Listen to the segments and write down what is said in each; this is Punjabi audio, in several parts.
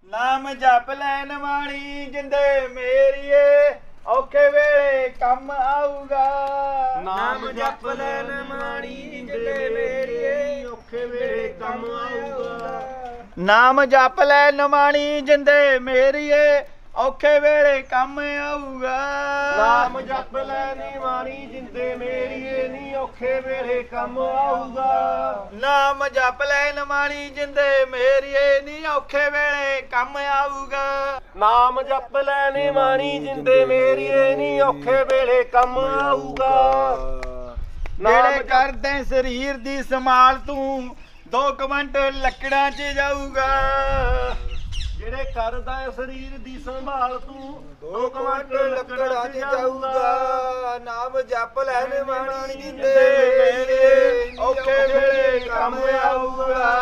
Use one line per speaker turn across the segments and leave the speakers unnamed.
ਨਾਮ ਜਪ ਲੈਣ ਵਾਲੀ ਜਿੰਦੇ ਮੇਰੀਏ ਔਖੇ ਵੇਲੇ ਕੰਮ ਆਊਗਾ।
ਨਾਮ ਜਪ ਲੈਣ ਵਾਲੀ ਜਿੰਦੇ ਮੇਰੀਏ ਔਖੇ ਵੇਲੇ ਕੰਮ ਆਊਗਾ।
ਨਾਮ ਜਪ ਲੈਣ ਵਾਲੀ ਜਿੰਦੇ ਮੇਰੀਏ ਔਖੇ ਵੇਲੇ ਕੰਮ ਆਊਗਾ।
ਨਾਮ ਜਪ ਲੈਣ ਵਾਲੀ ਜਿੰਦੇ ਮੇਰੀਏ ਨੀ ਔਖੇ ਵੇਲੇ ਕੰਮ ਆਊਗਾ।
ਨਾਮ ਜਪ ਲੈਣ ਵਾਲੀ ਜਿੰਦੇ ਮੇਰੀਏ ਨੀ ਔਖੇ ਵੇਲੇ ਕੰਮ ਆਊਗਾ।
ਨਾਮ ਜਪ ਲੈਣ ਵਾਲੀ ਜਿੰਦੇ ਮੇਰੀਏ ਨੀ ਔਖੇ ਵੇਲੇ ਕੰਮ ਆਊਗਾ।
ਜਿਹੜੇ ਕਰਦੇ ਸਰੀਰ ਦੀ ਸੰਭਾਲ ਤੂੰ 2 ਕੁਇੰਟਲ ਲੱਕੜਾਂ 'ਚ ਜਾਊਗਾ।
ਜਿਹੜੇ ਕਰਦਾ ਸਰੀਰ ਦੀ ਸੰਭਾਲ ਤੂੰ 2 ਕੁਇੰਟਲ ਲੱਕੜਾਂ 'ਚ ਜਾਊਗਾ।
ਨਾਮ ਜਪ ਲੈਣ ਵਾਲੀ ਜਿੰਦੇ ਮੇਰੀਏ ਔਖੇ ਵੇਲੇ ਕੰਮ ਆਊਗਾ।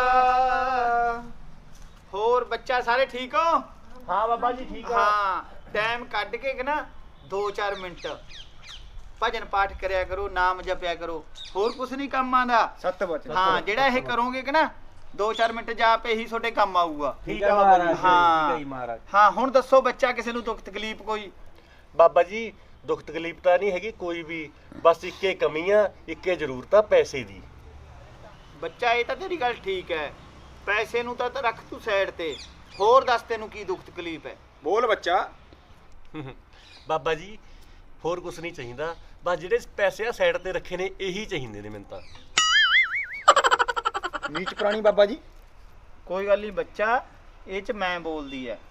ਹੋਰ ਬੱਚਾ ਸਾਰੇ ਠੀਕ ਹੋ?
ਹਾਂ ਬਾਬਾ ਜੀ ਠੀਕ ਆ।
ਹਾਂ ਟਾਈਮ ਕੱਢ ਕੇ ਕਿ ਨਾ 2-4 ਮਿੰਟ ਭਜਨ ਪਾਠ ਕਰਿਆ ਕਰੋ, ਨਾਮ ਜਪਿਆ ਕਰੋ, ਹੋਰ ਕੁਛ ਨਹੀਂ ਕੰਮ ਆਂਦਾ।
ਸੱਤ ਬਚਨ
ਹਾਂ ਜਿਹੜਾ ਇਹ ਕਰੋਗੇ ਕਿ ਨਾ 2-4 ਮਿੰਟ ਜਾਪ ਇਹੀ ਤੁਹਾਡੇ ਕੰਮ ਆਊਗਾ।
ਠੀਕ ਆ ਬਾਬਾ ਜੀ।
ਹਾਂ।
ਠੀਕ ਮਹਾਰਾਜ।
ਹਾਂ ਹੁਣ ਦੱਸੋ ਬੱਚਾ ਕਿਸੇ ਨੂੰ ਦੁੱਖ ਤਕਲੀਫ ਕੋਈ?
ਬਾਬਾ ਜੀ ਦੁੱਖ ਤਕਲੀਫ ਤਾਂ ਨਹੀਂ ਹੈਗੀ ਕੋਈ ਵੀ, ਬਸ ਇੱਕੇ ਕਮੀ ਆ, ਇੱਕੇ ਜ਼ਰੂਰਤ ਆ ਪੈਸੇ ਦੀ।
ਬੱਚਾ ਇਹ ਤਾਂ ਤੇਰੀ ਗੱਲ ਠੀਕ ਹੈ, ਪੈਸੇ ਨੂੰ ਤਾਂ ਰੱਖ ਤੂੰ ਸਾਈਡ ਤੇ, ਹੋਰ ਦੱਸ ਤੈਨੂੰ ਕੀ ਦੁੱਖ ਤਕਲੀਫ ਹੈ?
ਬੋਲ ਬੱਚਾ।
ਬਾਬਾ ਜੀ ਹੋਰ ਕੁਝ ਨਹੀਂ ਚਾਹੀਦਾ, ਬਸ ਜਿਹੜੇ ਪੈਸੇ ਆ ਸਾਈਡ ਤੇ ਰੱਖੇ ਨੇ ਇਹੀ ਚਾਹੀਦੇ ਨੇ ਮੈਨੂੰ ਤਾਂ।
ਨੀਚ ਪ੍ਰਾਣੀ ਬਾਬਾ ਜੀ।
ਕੋਈ ਗੱਲ ਨਹੀਂ ਬੱਚਾ, ਇਹ ਚ ਮੈਂ ਬੋਲਦੀ ਹੈ।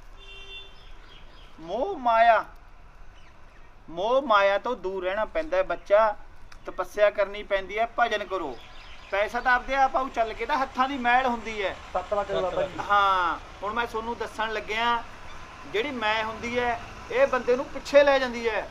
ਮੋਹ ਮਾਇਆ ਤੋਂ ਦੂਰ ਰਹਿਣਾ ਪੈਂਦਾ ਹੈ ਬੱਚਾ, ਤਪੱਸਿਆ ਕਰਨੀ ਪੈਂਦੀ ਹੈ, ਭਜਨ ਕਰੋ। ਪੈਸਾ ਤਾਂ ਆਪਦੇ ਆਪ ਆਉ ਚੱਲ ਕੇ ਤਾਂ ਹੱਥਾਂ ਦੀ ਮੈਲ ਹੁੰਦੀ ਹੈ।
ਬਾਬਾ ਜੀ।
ਹਾਂ ਹੁਣ ਮੈਂ ਤੁਹਾਨੂੰ ਦੱਸਣ ਲੱਗਿਆ, ਜਿਹੜੀ ਮੈਂ ਹੁੰਦੀ ਹੈ ਇਹ ਬੰਦੇ ਨੂੰ ਪਿੱਛੇ ਲੈ ਜਾਂਦੀ ਹੈ,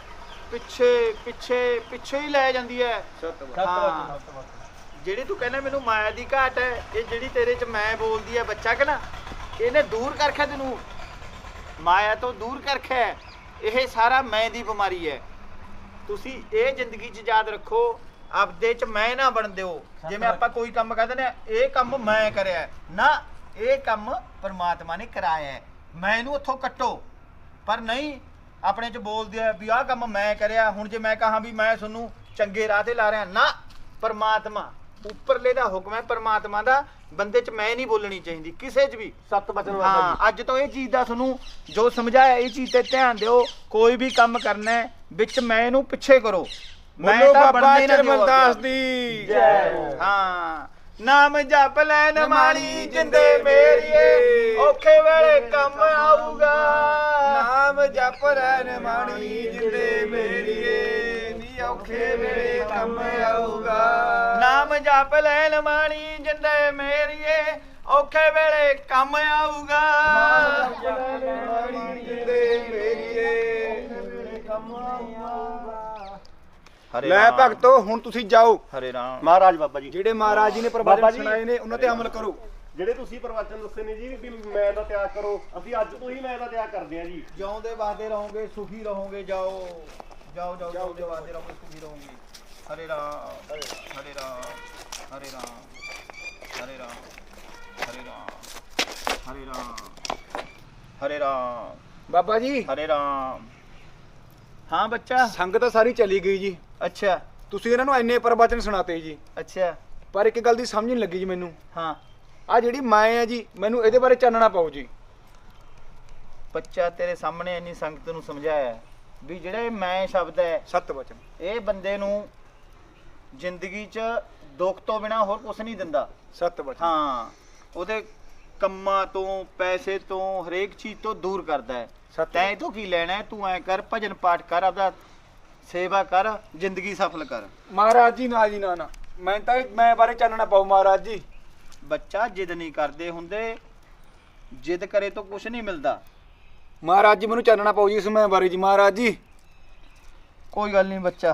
ਪਿੱਛੇ ਹੀ ਲੈ ਜਾਂਦੀ ਹੈ। ਹਾਂ ਜਿਹੜੀ ਤੂੰ ਕਹਿੰਦਾ ਮੈਨੂੰ ਮਾਇਆ ਦੀ ਘਾਟ ਹੈ, ਇਹ ਜਿਹੜੀ ਤੇਰੇ ਚ ਮੈਂ ਬੋਲਦੀ ਹੈ ਬੱਚਾ ਕਿ ਨਾ, ਇਹਨੇ ਦੂਰ ਕਰਖਿਆ ਤੈਨੂੰ, ਮਾਇਆ ਤੋਂ ਦੂਰ ਕਰਖਿਆ। ਇਹ ਸਾਰਾ ਮੈਂ ਦੀ ਬਿਮਾਰੀ ਹੈ। ਤੁਸੀਂ ਇਹ ਜ਼ਿੰਦਗੀ 'ਚ ਯਾਦ ਰੱਖੋ, ਆਪਦੇ 'ਚ ਮੈਂ ਨਾ ਬਣ ਦਿਓ। ਜਿਵੇਂ ਆਪਾਂ ਕੋਈ ਕੰਮ ਕਰਦੇ ਨੇ, ਇਹ ਕੰਮ ਮੈਂ ਕਰਿਆ ਨਾ, ਇਹ ਕੰਮ ਪਰਮਾਤਮਾ ਨੇ ਕਰਾਇਆ ਹੈ, ਮੈਂ ਇਹਨੂੰ ਉੱਥੋਂ ਕੱਟੋ। ਪਰ ਨਹੀਂ, ਆਪਣੇ 'ਚ ਬੋਲਦੇ ਆ ਵੀ ਆਹ ਕੰਮ ਮੈਂ ਕਰਿਆ। ਹੁਣ ਜੇ ਮੈਂ ਕਹਾਂ ਵੀ ਮੈਂ ਤੁਹਾਨੂੰ ਚੰਗੇ ਰਾਹ ਤੇ ਲਾ ਰਿਹਾ, ਨਾ, ਪਰਮਾਤਮਾ ਉੱਪਰਲੇ ਦਾ ਹੁਕਮ ਹੈ, ਪਰਮਾਤਮਾ ਦਾ। ਬੰਦੇ 'ਚ ਮੈਂ ਨਹੀਂ ਬੋਲਣੀ ਚਾਹੀਦੀ ਕਿਸੇ 'ਚ ਵੀ।
ਸੱਤ ਬਚਨ ਬਾਬਾ ਜੀ।
ਹਾਂ ਅੱਜ ਤੋਂ ਇਹ ਚੀਜ਼ ਦਾ ਤੁਹਾਨੂੰ ਜੋ ਸਮਝਾਇਆ, ਇਹ ਚੀਜ਼ ਤੇ ਧਿਆਨ ਦਿਓ। ਕੋਈ ਵੀ ਕੰਮ ਕਰਨਾ ਹੈ ਵਿੱਚ ਮੈਂ ਇਹਨੂੰ ਪਿੱਛੇ ਕਰੋ। ਮੈਂ ਤਾਂ ਬਣਨੇ ਨਾ
ਚਰਮਨਦਾਸ ਦੀ
ਜੈ।
ਹਾਂ ਨਾਮ ਜਪ ਲੈਣ ਵਾਲੀ ਜਿੰਦੇ ਮੇਰੀਏ ਔਖੇ ਵੇਲੇ ਕੰਮ ਆਊਗਾ।
ਨਾਮ ਜਪ ਲੈਣ ਵਾਲੀ ਜਿੰਦੇ ਮੇਰੀਏ ਨੀ ਔਖੇ ਵੇਲੇ ਕੰਮ ਆਊਗਾ।
ਨਾਮ ਜਪ ਲੈਣ ਵਾਲੀ ਜਿੰਦੇ ਮੇਰੀਏ ਔਖੇ ਵੇਲੇ ਕੰਮ ਆਊਗਾ।
ਜਿੰਦੇ ਮੇਰੀਏ
ਕੰਮ ਆਊਗਾ।
ਹਰੇ
ਲੈ
ਰਾਮ,
ਭਗਤੋ ਹੁਣ ਤੁਸੀਂ ਜਾਓ।
ਹਰੇ ਰਾਮ।
ਮਹਾਰਾਜ ਬਾਬਾ ਜੀ,
ਜਿਹੜੇ ਮਹਾਰਾਜ ਜੀ ਨੇ
ਬਾਬਾ
ਪ੍ਰਵਚਨ
ਜੀ,
ਸੁਣਾਏ ਨੇ ਉਹਨਾਂ ਤੇ ਅਮਲ ਕਰੋ।
ਜਿਹੜੇ ਤੁਸੀਂ ਪ੍ਰਵਚਨ ਦੱਸੇ ਨੇ ਜੀ ਵੀ ਮੈਂ ਦਾ ਤਿਆਗ ਕਰੋ, ਅਸੀਂ ਅੱਜ ਤੋਂ ਹੀ ਮੈਂ ਦਾ ਤਿਆਗ ਕਰਦੇ ਹਾਂ ਜੀ।
ਜਿਉਂਦੇ ਵਾਦੇ ਰਹੋਗੇ, ਸੁਖੀ ਰਹੋਗੇ। ਜਾਓ ਜਾਓ ਜਾਓ, ਜਿਉਂਦੇ ਵਾਦੇ ਰਹੋਗੇ, ਸੁਖੀ ਰਹੋਗੇ। ਹਰੇ ਰਾਮ ਹਰੇ ਰਾਮ ਹਰੇ ਰਾਮ ਹਰੇ ਰਾਮ ਹਰੇ ਰਾਮ ਹਰੇ ਰਾਮ ਹਰੇ ਰਾਮ
ਬਾਬਾ ਜੀ
ਹਰੇ ਰਾਮ। ਹਾਂ ਬੱਚਾ।
ਸੰਗਤ ਤਾਂ ਸਾਰੀ ਚਲੀ ਗਈ ਜੀ,
ਅੱਛਾ
ਤੁਸੀਂ ਇਹਨਾਂ ਨੂੰ ਇੰਨੇ ਪ੍ਰਵਚਨ ਸੁਣਾਤੇ ਜੀ,
ਅੱਛਾ।
ਪਰ ਇੱਕ ਗੱਲ ਦੀ ਸਮਝ ਨਹੀਂ ਲੱਗੀ ਜੀ ਮੈਨੂੰ।
ਹਾਂ
ਆ ਜਿਹੜੀ ਮੈਂ ਹੈ ਜੀ, ਮੈਨੂੰ ਇਹਦੇ ਬਾਰੇ ਚਾਨਣਾ ਪਾਓ ਜੀ।
ਬੱਚਾ ਤੇਰੇ ਸਾਹਮਣੇ ਇੰਨੀ ਸੰਗਤ ਨੂੰ ਸਮਝਾਇਆ ਵੀ ਜਿਹੜਾ ਇਹ ਮੈਂ ਸ਼ਬਦ ਹੈ,
ਸੱਤ ਵਚਨ,
ਇਹ ਬੰਦੇ ਨੂੰ ਜ਼ਿੰਦਗੀ 'ਚ ਦੁੱਖ ਤੋਂ ਬਿਨਾ ਹੋਰ ਕੁਝ ਨਹੀਂ ਦਿੰਦਾ।
ਸੱਤ ਵਚਨ।
ਹਾਂ ਉਹਦੇ ਕੰਮਾਂ ਤੋਂ, ਪੈਸੇ ਤੋਂ, ਹਰੇਕ ਚੀਜ਼ ਤੋਂ ਦੂਰ ਕਰਦਾ ਹੈ। ਤੈਂ ਇਹ ਤੋਂ ਕੀ ਲੈਣਾ ਹੈ? ਤੂੰ ਐ ਕਰ, ਭਜਨ ਪਾਠ ਕਰ, ਆਪਦਾ ਸੇਵਾ ਕਰ, ਜ਼ਿੰਦਗੀ ਸਫਲ ਕਰ।
ਮਹਾਰਾਜ ਜੀ ਨਾ ਜੀ, ਨਾ ਮੈਂ ਬਾਰੇ ਚਾਨਣਾ ਪਾਓ ਮਹਾਰਾਜ ਜੀ।
ਬੱਚਾ ਜਿੱਦ ਨਹੀਂ ਕਰਦੇ ਹੁੰਦੇ, ਜਿੱਦ ਕਰੇ ਤਾਂ ਕੁਝ ਨਹੀਂ ਮਿਲਦਾ।
ਮਹਾਰਾਜ ਜੀ ਮੈਨੂੰ ਚਾਨਣਾ ਪਾਓ ਜੀ ਇਸ ਮੈਂ ਬਾਰੇ ਜੀ ਮਹਾਰਾਜ ਜੀ।
ਕੋਈ ਗੱਲ ਨਹੀਂ ਬੱਚਾ।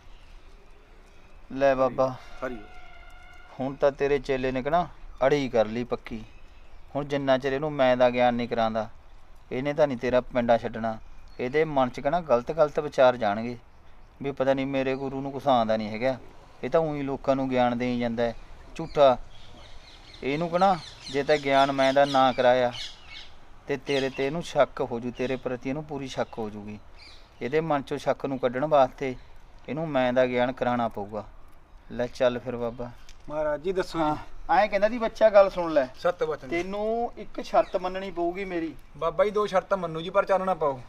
ਲੈ ਬਾਬਾ,
ਹਰੀ
ਹੁਣ ਤਾਂ ਤੇਰੇ ਚੇਲੇ ਨੇ ਕਹਿਣਾ ਅੜੀ ਕਰ ਲਈ ਪੱਕੀ। ਹੁਣ ਜਿੰਨਾ ਚਿਰ ਇਹਨੂੰ ਮੈਂ ਦਾ ਗਿਆਨ ਨਹੀਂ ਕਰਾਂਦਾ, ਇਹਨੇ ਤਾਂ ਨਹੀਂ ਤੇਰਾ ਪਿੰਡਾ ਛੱਡਣਾ। ਇਹਦੇ ਮਨ 'ਚ ਕਹਿਣਾ ਗਲਤ ਵਿਚਾਰ ਜਾਣਗੇ ਵੀ ਪਤਾ ਨਹੀਂ ਮੇਰੇ ਗੁਰੂ ਨੂੰ ਕੁਛ ਆਉਂਦਾ ਨਹੀਂ ਹੈਗਾ, ਇਹ ਤਾਂ ਉਹੀ ਲੋਕਾਂ ਨੂੰ ਗਿਆਨ ਦੇਈ ਜਾਂਦਾ ਹੈ ਝੂਠਾ। ਇਹਨੂੰ ਕਹਿਣਾ ਜੇ ਤਾਂ ਗਿਆਨ ਮੈਂ ਦਾ ਨਾ ਕਰਾਇਆ ਤੇ ਤੇਰੇ ਤੇ ਇਹਨੂੰ ਸ਼ੱਕ ਹੋ ਜੂ, ਤੇਰੇ ਪ੍ਰਤੀ ਇਹਨੂੰ ਪੂਰੀ ਸ਼ੱਕ ਹੋ ਜੂਗੀ। ਇਹਦੇ ਮਨ ਚੋਂ ਸ਼ੱਕ ਨੂੰ ਕੱਢਣ ਵਾਸਤੇ ਇਹਨੂੰ ਮੈਂ ਦਾ ਗਿਆਨ ਕਰਾਉਣਾ ਪਊਗਾ। ਲੈ ਚੱਲ ਫਿਰ ਬਾਬਾ।
ਮਹਾਰਾਜ ਜੀ ਦੱਸੋ
ਹਾਂ ਐਂ ਕਹਿੰਦਾ ਦੀ ਬੱਚਾ ਗੱਲ ਸੁਣ ਲੈ,
ਸੱਤ ਵਚਨ
ਤੈਨੂੰ ਇੱਕ ਸ਼ਰਤ ਮੰਨਣੀ ਪਊਗੀ ਮੇਰੀ।
ਬਾਬਾ ਜੀ 2 ਸ਼ਰਤਾਂ ਮੰਨੂ ਜੀ, ਪਰ ਚਾਨਣਾ ਪਾਓ।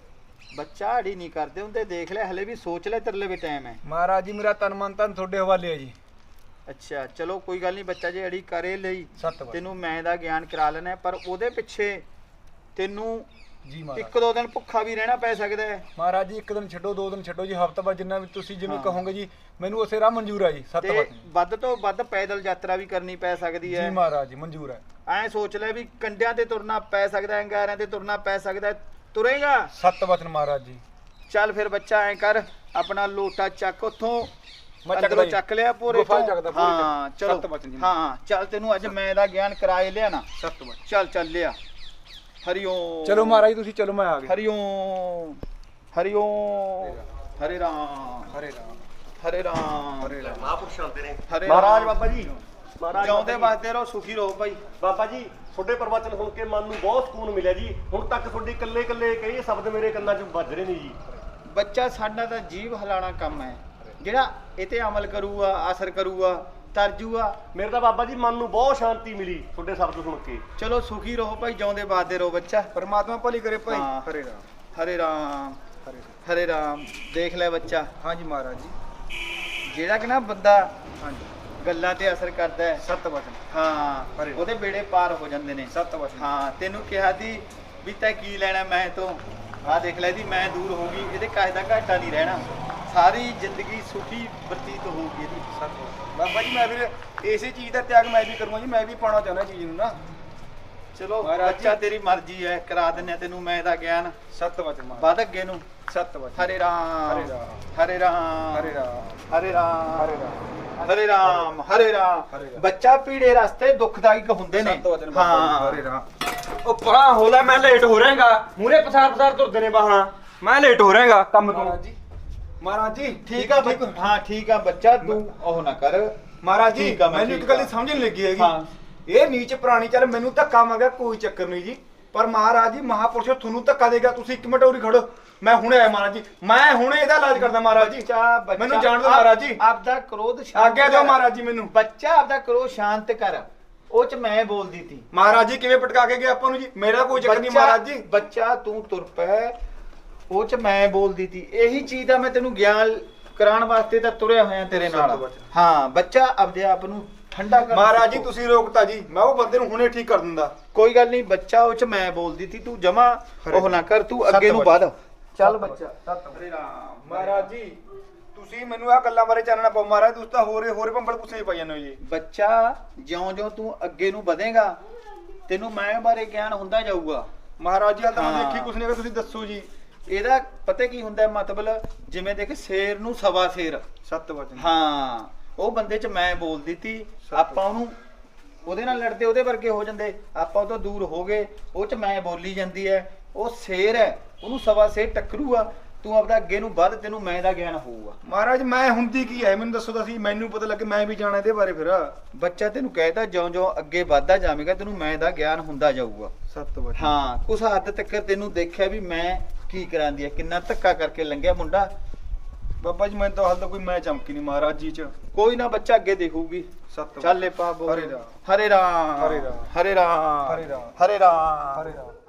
ਬੱਚਾ ਅੜੀ ਨਹੀਂ ਕਰਦੇ ਹੁੰਦੇ, ਦੇਖ ਲੈ ਹਲੇ ਵੀ ਸੋਚ ਲੈ, ਤੇਰੇ ਲਈ ਵੀ ਟਾਈਮ ਹੈ।
ਮਹਾਰਾਜ ਜੀ ਮੇਰਾ ਤਨ ਮਨ ਧਨ ਤੁਹਾਡੇ ਹਵਾਲੇ ਹੈ ਜੀ।
ਅੱਛਾ ਚਲੋ ਕੋਈ ਗੱਲ ਨਹੀਂ ਬੱਚਾ, ਜੇ ਅੜੀ ਕਰੇ ਲਈ
ਸੱਤ ਵਚਨ
ਤੈਨੂੰ ਮੈਂ ਦਾ ਗਿਆਨ ਕਰਾ ਲੈਣਾ, ਪਰ ਉਹਦੇ ਪਿੱਛੇ ਤੈਨੂੰ
ਜੀ ਮਹਾਰਾਜ।
1-2 ਦਿਨ ਭੁੱਖਾ ਵੀ ਰਹਿਣਾ ਪੈ ਸਕਦਾ ਹੈ।
ਮਹਾਰਾਜ ਜੀ 1 ਦਿਨ ਛੱਡੋ 2 ਦਿਨ ਛੱਡੋ ਜੀ, ਹਫ਼ਤਾ ਬਾਅਦ ਜਿੰਨਾ ਵੀ ਤੁਸੀਂ ਜਿਵੇਂ
ਹਾਂ।
ਕਹੋਗੇ ਜੀ, ਮੈਨੂੰ ਉਸੇ ਰਾਹ ਮਨਜ਼ੂਰ ਹੈ ਜੀ। ਸੱਤ
ਤੇ
ਵਚਨ
ਵੱਧ ਤੋਂ ਵੱਧ ਪੈਦਲ ਯਾਤਰਾ ਵੀ ਕਰਨੀ ਪੈ ਸਕਦੀ
ਜੀ
ਹੈ।
ਮਹਾਰਾਜ ਜੀ ਮਨਜ਼ੂਰ ਹੈ।
ਐਂ ਸੋਚ ਲੈ ਵੀ ਕੰਡਿਆਂ ਤੇ ਤੁਰਨਾ ਪੈ ਸਕਦਾ ਹੈ, ਅੰਗਾਰਿਆਂ ਤੇ ਤੁਰਨਾ ਪੈ ਸਕਦਾ ਹੈ, ਤੁਰੇਗਾ।
ਸੱਤ ਵਚਨ ਮਹਾਰਾਜ ਜੀ।
ਚੱਲ ਫਿਰ ਬੱਚਾ ਐਂ ਕਰ, ਆਪਣਾ ਲੋਟਾ ਚੱਕ ਉੱਥੋਂ
ਮੈਂ
ਅੰਦਰੋਂ
ਚੱਕਦਾ
ਚੱਕ ਲਿਆ ਭੋਰੇ
ਗੁਫਾ
ਤੋਂ।
ਚੱਕਦਾ, ਭੋਰੇ
ਹਾਂ
ਚੱਕ।
ਚਲੋ
ਸੱਤ ਵਚਨ ਜੀ।
ਹਾਂ ਚੱਲ ਤੈਨੂੰ ਅੱਜ ਮੈਂ ਦਾ ਗਿਆਨ ਕਰਾਏ ਲਿਆ ਨਾ।
ਸੱਤ ਵਚਨ।
ਚੱਲ ਚੱਲ ਲਿਆ। ਹਰੀਓਮ।
ਚਲੋ ਮਹਾਰਾਜ ਤੁਸੀਂ ਚਲੋ, ਮੈਂ ਆ ਗਿਆ।
ਹਰੀਓਮ ਹਰੀਓਮ ਹਰੇ ਰਾਮ
ਹਰੇ ਰਾਮ
ਹਰੇ ਰਾਮ
ਹਰੇ ਰਾਮ।
ਮਹਾਂਪੁਰਸ਼ ਆਉਂਦੇ ਨੇ।
ਹਰੇ
ਮਹਾਰਾਜ
ਰਾਮ।
ਬਾਬਾ ਜੀ, ਮਹਾਰਾਜ
ਜਿਉਂਦੇ
ਬਾਬਾ ਜੀ।
ਵਸਦੇ ਰਹੋ, ਸੁਖੀ ਰਹੋ ਭਾਈ।
ਬਾਬਾ ਜੀ ਤੁਹਾਡੇ ਪ੍ਰਵਚਨ ਸੁਣ ਕੇ ਮਨ ਨੂੰ ਬਹੁਤ ਸਕੂਨ ਮਿਲਿਆ ਜੀ। ਹੁਣ ਤੱਕ ਤੁਹਾਡੇ ਇਕੱਲੇ ਇਕੱਲੇ ਕਈ ਸ਼ਬਦ ਮੇਰੇ ਕੰਨਾਂ 'ਚ ਵੱਜ ਰਹੇ ਨੇ ਜੀ।
ਬੱਚਾ ਸਾਡਾ ਤਾਂ ਜੀਵ ਹਿਲਾਣਾ ਕੰਮ ਹੈ, ਜਿਹੜਾ ਇਹ ਤੇ ਅਮਲ ਕਰੂਗਾ, ਅਸਰ ਕਰੂਗਾ, ਤਰਜੂਗਾ।
ਮੇਰੇ ਤਾਂ ਬਾਬਾ ਜੀ ਮਨ ਨੂੰ ਬਹੁਤ ਸ਼ਾਂਤੀ ਮਿਲੀ ਤੁਹਾਡੇ ਸ਼ਬਦ ਸੁਣ ਕੇ।
ਚਲੋ ਸੁਖੀ ਰਹੋ ਭਾਈ, ਜਿਉਂਦੇ ਵਸਦੇ ਰਹੋ ਬੱਚਾ।
ਪਰਮਾਤਮਾ ਭਲੀ ਕਰੇ ਭਾਈ।
ਹਾਂ।
ਹਰੇ ਰਾਮ
ਹਰੇ ਰਾਮ
ਹਰੇ ਰਾਮ।
ਹਰੇ ਰਾਮ। ਦੇਖ ਲੈ ਬੱਚਾ,
ਹਾਂਜੀ ਮਹਾਰਾਜ ਜੀ।
ਜਿਹੜਾ ਕਿ ਨਾ ਬੰਦਾ
ਹਾਂਜੀ
ਗੱਲਾਂ ਤੇ ਅਸਰ ਕਰਦਾ ਹੈ,
ਸੱਤ ਵਚਨ।
ਹਾਂ
ਹਰੇ।
ਉਹਦੇ ਬੇੜੇ ਪਾਰ ਹੋ ਜਾਂਦੇ ਨੇ।
ਸੱਤ ਵਚਨ।
ਹਾਂ ਤੈਨੂੰ ਕਿਹਾ ਸੀ ਵੀ ਤੈਂ ਕੀ ਲੈਣਾ ਮੈਂ ਤੋਂ, ਆਹ ਦੇਖ ਲੈ ਦੀ ਮੈਂ ਦੂਰ ਹੋ ਗਈ, ਇਹਦੇ ਕਾਹੇ ਦਾ ਘਾਟਾ ਨਹੀਂ ਰਹਿਣਾ, ਸਾਰੀ ਜ਼ਿੰਦਗੀ ਸੁਖੀ ਬਤੀਤ ਹੋਊਗੀ ਇਹਦੀ।
ਸੱਤ ਵਚਨ। ਬਾਬਾ ਜੀ ਮੈਂ ਵੀ ਇਸੇ ਚੀਜ਼ ਦਾ ਤਿਆਗ ਮੈਂ ਵੀ ਕਰੂੰਗਾ ਜੀ, ਮੈਂ ਵੀ ਪਾਉਣਾ ਚਾਹੁੰਦਾ ਚੀਜ਼ ਨੂੰ ਨਾ।
ਚਲੋ
ਮਹਾਰਾਜ
ਬੱਚਾ
ਜੀ।
ਤੇਰੀ ਮਰਜ਼ੀ ਹੈ, ਕਰਾ ਦਿੰਨੇ ਤੈਨੂੰ ਮੈਂ ਦਾ ਗਿਆਨ।
ਸੱਤ ਵਚਨ ਮਹਾਰਾਜ।
ਵੱਧ ਅੱਗੇ ਨੂੰ।
ਸੱਤ ਵਚਨ।
ਹਰੇ ਰਾਮ
ਹਰੇ ਰਾਮ
ਹਰੇ ਰਾਮ
ਹਰੇ ਰਾਮ
ਹਰੇ ਰਾਮ
ਹਰੇ ਰਾਮ
ਹਰੇ ਰਾਮ ਹਰੇ ਰਾਮ।
ਹਰੇ ਰਾਮ।
ਬੱਚਾ ਪੀੜੇ ਰਸਤੇ ਦੁਖਦਾਇਕ ਹੁੰਦੇ ਨੇ।
ਸੱਤ ਵਚਨ ਬਾਬਾ ਜੀ।
ਹਾਂ
ਹਰੇ ਰਾਮ।
ਉਹ ਪਰਾਂ ਹੋ ਲੈ, ਮੈਂ ਲੇਟ ਹੋ ਰਿਹਾਗਾ। ਮੂਰੇ ਪਸਾਰ ਪਸਾਰ ਤੁਰਦੇ ਨੇ ਬਾਹਾਂ, ਮੈਂ ਲੇਟ ਹੋ ਰਿਹਾਗਾ ਕੰਮ ਤੋਂ।
ਮਹਾਰਾਜ ਜੀ ਮਹਾਰਾਜ ਜੀ
ਠੀਕ ਆ ਬੱਚਾ। ਹਾਂ ਠੀਕ ਆ ਬੱਚਾ, ਤੂੰ ਉਹ ਨਾ ਕਰ।
ਮਹਾਰਾਜ ਜੀ
ਠੀਕ ਆ, ਮੈਂ
ਮੈਨੂੰ ਇੱਕ
ਠੀਕ
ਗੱਲ
ਆ।
ਦੀ ਸਮਝ ਨਹੀਂ ਲੱਗੀ ਹੈਗੀ।
ਹਾਂ।
ਇਹ ਨੀਚ ਪ੍ਰਾਣੀ ਚੱਲ ਮੈਨੂੰ ਧੱਕਾ ਮੰਗਿਆ ਕੋਈ ਚੱਕਰ ਨਹੀਂ ਜੀ, ਪਰ ਮਹਾਰਾਜ ਜੀ ਮਹਾਪੁਰਸ਼ ਤੁਹਾਨੂੰ ਧੱਕਾ ਦੇਗਾ। ਤੁਸੀਂ 1 ਮਿੰਟ ਉਰੀ ਖੜੋ, ਮੈਂ ਹੁਣੇ ਆਇਆ ਮਹਾਰਾਜ ਜੀ, ਮੈਂ ਹੁਣੇ ਇਹਦਾ ਇਲਾਜ ਕਰਦਾ ਮਹਾਰਾਜ ਜੀ।
ਬੱਚਾ
ਮੈਨੂੰ ਜਾਣ ਦਿਓ ਮਹਾਰਾਜ ਜੀ।
ਆਪਦਾ ਕ੍ਰੋਧ ਸ਼ਾਂਤ
ਆਗਿਆ ਦਿਓ
ਕਰ।
ਮਹਾਰਾਜ ਜੀ ਮੈਨੂੰ।
ਬੱਚਾ ਆਪਦਾ ਕ੍ਰੋਧ ਸ਼ਾਂਤ ਕਰ। ਉਹ ਚ ਮੈਂ ਬੋਲਦੀ ਤੀ।
ਮਹਾਰਾਜ ਜੀ ਕਿਵੇਂ ਪਟਕਾ ਕੇ ਗਏ ਆਪਾਂ ਨੂੰ ਜੀ, ਮੇਰਾ ਕੋਈ ਚੱਕਰ ਨਹੀਂ ਮਹਾਰਾਜ ਜੀ।
ਬੱਚਾ ਤੂੰ ਤੁਰ ਪੈ, ਉਹ ਚ ਮੈਂ ਬੋਲਦੀ ਤੀ। ਇਹੀ ਚੀਜ਼ ਦਾ ਮੈਂ ਤੈਨੂੰ ਗਿਆਨ ਕਰਾਉਣ ਵਾਸਤੇ ਤਾਂ ਤੁਰਿਆ ਹੋਇਆ ਤੇਰੇ ਨਾਲ। ਹਾਂ ਬੱਚਾ ਆਪਦੇ ਆਪ ਨੂੰ ਠੰਡਾ ਕਰ।
ਮਹਾਰਾਜ ਜੀ ਤੁਸੀਂ ਰੋਕਤਾ ਜੀ, ਮੈਂ ਉਹ ਬੰਦੇ ਨੂੰ ਹੁਣੇ ਠੀਕ ਕਰ ਦਿੰਦਾ।
ਕੋਈ ਗੱਲ ਨਹੀਂ ਬੱਚਾ, ਉਹ ਚ ਮੈਂ ਬੋਲਦੀ ਤੀ, ਤੂੰ ਜਮਾ ਉਹ ਨਾ ਕਰ, ਤੂੰ ਅੱਗੇ ਨੂੰ ਵੱਧ। ਚੱਲ ਬੱਚਾ। ਹਰੇ ਰਾਮ।
ਮਹਾਰਾਜ ਜੀ ਤੁਸੀਂ ਮੈਨੂੰ ਆ ਗੱਲਾਂ ਬਾਰੇ ਚਾਨਣਾ ਪਾਓ ਮਹਾਰਾਜ, ਤੁਸੀਂ ਤਾਂ ਹੋਰੇ ਭੰਬਲ ਪੁੱਛੇ ਪਾਈ ਜਾਂਦੇ ਹੋ ਜੀ।
ਬੱਚਾ ਜਿਉਂ-ਜਿਉਂ ਤੂੰ ਅੱਗੇ ਨੂੰ ਵਧੇਗਾ, ਤੈਨੂੰ ਮੈਂ ਬਾਰੇ ਗਿਆਨ ਹੁੰਦਾ ਜਾਊਗਾ।
ਮਹਾਰਾਜ ਜੀ ਹਾਲ ਤਾਂ ਮੈਂ
ਹਾਂ।
ਦੇਖੀ ਕੁਛ ਨਹੀਂ ਹੈਗਾ, ਤੁਸੀਂ ਦੱਸੋ ਜੀ।
ਇਹਦਾ ਪਤਾ ਕੀ ਹੁੰਦਾ ਹੈ ਮਤਲਬ, ਜਿਵੇਂ ਦੇਖ ਸ਼ੇਰ ਨੂੰ ਸਵਾ ਸ਼ੇਰ।
ਸੱਤ ਵਚਨ।
ਹਾਂ ਉਹ ਬੰਦੇ ਚ ਮੈਂ ਬੋਲ ਦਿੱਤੀ, ਆਪਾਂ ਉਹਨੂੰ ਉਹਦੇ ਨਾਲ ਲੜਦੇ ਉਹਦੇ ਵਰਗੇ ਹੋ ਜਾਂਦੇ, ਆਪਾਂ ਉਹ ਤੋਂ ਦੂਰ ਹੋ ਗਏ, ਉਹ ਚ ਮੈਂ ਬੋਲੀ ਜਾਂਦੀ ਹੈ। ਉਹ ਸ਼ੇਰ ਹੈ, ਉਹਨੂੰ ਸਵਾ ਸ਼ੇਰ ਟੱਕਰੂਗਾ। ਤੂੰ ਆਪਦਾ ਅੱਗੇ ਨੂੰ ਵੱਧ, ਤੈਨੂੰ ਮੈਂ ਦਾ ਗਿਆਨ ਹੋਊਗਾ।
ਮਹਾਰਾਜ ਮੈਂ ਹੁੰਦੀ ਕੀ ਹੈ ਮੈਨੂੰ ਦੱਸੋ ਤਾਂ ਸਹੀ, ਮੈਨੂੰ ਪਤਾ ਲੱਗੇ, ਮੈਂ ਵੀ ਜਾਣਾ ਇਹਦੇ ਬਾਰੇ ਫਿਰ।
ਬੱਚਾ ਤੈਨੂੰ ਕਹਿਤਾ ਜਿਉਂ-ਜਿਉਂ ਅੱਗੇ ਵੱਧਦਾ ਜਾਵੇਗਾ, ਤੈਨੂੰ ਮੈਂ ਦਾ ਗਿਆਨ ਹੁੰਦਾ ਜਾਊਗਾ।
ਸੱਤ ਵਚਨ।
ਹਾਂ ਕੁਛ ਹੱਦ ਤੱਕ ਤੈਨੂੰ ਦੇਖਿਆ ਵੀ ਮੈਂ ਕੀ ਕਰਾਂਦੀ ਹੈ, ਕਿੰਨਾ ਧੱਕਾ ਕਰਕੇ ਲੰਘਿਆ ਮੁੰਡਾ।
ਬਾਬਾ ਜੀ ਮੈਂ ਤਾਂ ਹਾਲ ਤਾਂ ਕੋਈ ਮੈਂ ਚਮਕੀ ਨਹੀਂ ਮਹਾਰਾਜ ਜੀ ਚ।
ਕੋਈ ਨਾ ਬੱਚਾ ਅੱਗੇ ਦੇਖੂਗੀ।
ਸੱਤ
ਚੱਲ ਲੈ ਪਾ ਬੋਲ।
ਹਰੇ ਰਾਮ।
ਹਰੇ ਰਾਮ
ਹਰੇ ਰਾਮ।
ਹਰੇ ਰਾਮ
ਹਰੇ ਰਾਮ।
ਹਰੇ ਰਾਮ।
ਹਰੇ ਰਾਮ।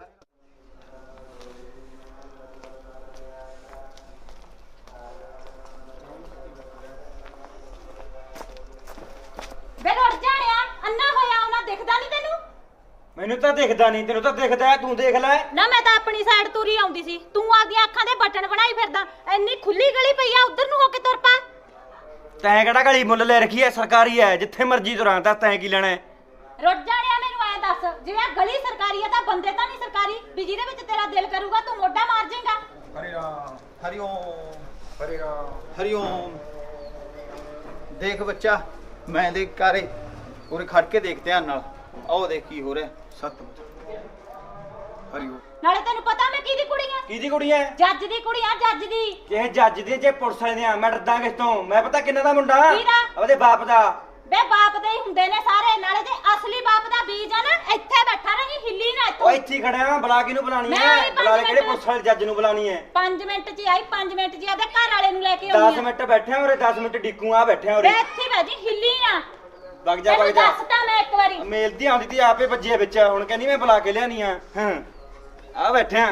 ਬੇ ਰੁੱਟ ਜਾਣਿਆ, ਅੰਨਾ ਹੋਇਆ ਉਹਨਾਂ ਦਿਖਦਾ ਨਹੀਂ ਤੈਨੂੰ?
ਮੈਨੂੰ ਤਾਂ ਦਿਖਦਾ ਨਹੀਂ, ਤੈਨੂੰ ਤਾਂ ਦਿਖਦਾ ਹੈ, ਤੂੰ ਦੇਖ ਲੈ।
ਨਾ ਮੈਂ ਤਾਂ ਆਪਣੀ ਸਾਈਡ ਤੁਰੀ ਆਉਂਦੀ ਸੀ, ਤੂੰ ਆਪਦੀਆਂ ਅੱਖਾਂ ਦੇ ਬਟਨ ਬਣਾਈ ਫਿਰਦਾ। ਇੰਨੀ ਖੁੱਲੀ ਗਲੀ ਪਈ ਆ, ਉਧਰ ਨੂੰ ਹੋ ਕੇ ਤੁਰ ਪਾ।
ਤੈਂ ਕਿਹੜਾ ਗਲੀ ਮੁੱਲ ਲੈ ਰੱਖੀ ਐ? ਸਰਕਾਰੀ ਐ, ਜਿੱਥੇ ਮਰਜ਼ੀ ਤੁਰਾਂ, ਤਾਂ ਤੈਂ ਕੀ ਲੈਣਾ ਹੈ?
ਰੁੱਟ ਜਾਣਿਆ ਮੈਨੂੰ ਐ ਦੱਸ, ਜਿਵੇਂ ਆਹ ਗਲੀ ਸਰਕਾਰੀ ਆ ਤਾਂ ਬੰਦੇ ਤਾਂ ਨਹੀਂ ਸਰਕਾਰੀ ਵੀ ਜਿਹਦੇ ਵਿੱਚ ਤੇਰਾ ਦਿਲ ਕਰੂਗਾ ਤੂੰ ਮੋਢਾ ਮਾਰ ਜਾਏਗਾ।
ਹਰੇ ਰਾਮ।
ਹਰਿਓਮ
ਹਰੇ ਰਾਮ।
ਹਰਿਓਮ। ਦੇਖ ਬੱਚਾ, ਮੈਂ ਦੇਖ ਕਾਰੇ ਉਰੇ ਖੜ ਕੇ ਦੇਖ ਧਿਆਨ ਨਾਲ, ਆਓ ਦੇਖ ਕੀ ਹੋ ਰਿਹਾ।
ਸੱਤ ਵਚਨ। ਹਰਿਓਮ।
ਨਾਲੇ ਤੈਨੂੰ ਪਤਾ ਮੈਂ ਕਿਹਦੀ ਕੁੜੀ ਆ?
ਕਿਹਦੀ ਕੁੜੀ ਐ?
ਜੱਜ ਦੀ ਕੁੜੀ ਆ, ਜੱਜ ਦੀ।
ਇਹ ਜੱਜ ਦੀ, ਜੇ ਪੁਲਿਸ ਵਾਲੇ ਦੀਆਂ। ਮੈਂ ਡਰਦਾ ਕਿਸ ਤੋਂ? ਮੈਂ ਪਤਾ ਕਿੰਨਾ ਦਾ ਮੁੰਡਾ,
ਕਿਹਦਾ?
ਉਹਦੇ ਬਾਪ ਦਾ।
ਬੇ ਬਾਪ ਦੇ ਹੀ ਹੁੰਦੇ ਨੇ ਸਾਰੇ, ਨਾਲੇ ਜੇ ਅਸਲੀ ਬਾਪ ਦਾ ਬੀਜ ਆ ਨਾ ਇੱਥੇ ਬੈਠਾ ਰਹੀ, ਹਿੱਲੀ ਨਾ
ਉਹ
ਇੱਥੋਂ।
ਇੱਥੇ ਹੀ ਖੜਿਆ ਬੁਲਾ ਕਿਹਨੂੰ ਬੁਲਾਣੀ
ਮੈਂ
ਹੈ
ਆਈ ਪੰਜ
ਬੁਲਾ ਲੈ ਕਿਹੜੇ
ਮਿੰਟ।
ਪੁਲਿਸ ਵਾਲੇ ਜੱਜ ਨੂੰ ਬੁਲਾਣੀ ਹੈ
5 ਮਿੰਟ 'ਚ ਹੀ ਆਈ, 5 ਮਿੰਟ 'ਚ ਹੀ ਆਦੇ ਘਰ ਵਾਲੇ ਨੂੰ ਲੈ ਕੇ
10
ਆਉਣੀ ਆ।
ਮਿੰਟ ਬੈਠਿਆ ਉਰੇ 10 ਮਿੰਟ ਡਿੱਕੂ ਆ ਬੈਠਿਆ ਉਰੇ
ਮੈਂ ਇੱਥੇ ਬਾਜੀ ਹਿੱਲੀ ਨਾ।
ਵਗ ਜਾ
ਤੈਨੂੰ
ਵਗ ਜਾ
ਦੱਸਤਾ ਮੈਂ ਇੱਕ ਵਾਰੀ।
ਮੇਲ ਦੀ ਆਉਂਦੀ ਤੀ ਆਪੇ ਵੱਜੇ ਵਿੱਚ ਹੁਣ ਕਹਿੰਦੀ ਮੈਂ ਬੁਲਾ ਕੇ ਲਿਆਣੀ ਆ ਹਾਂ ਆ ਬੈਠਿਆ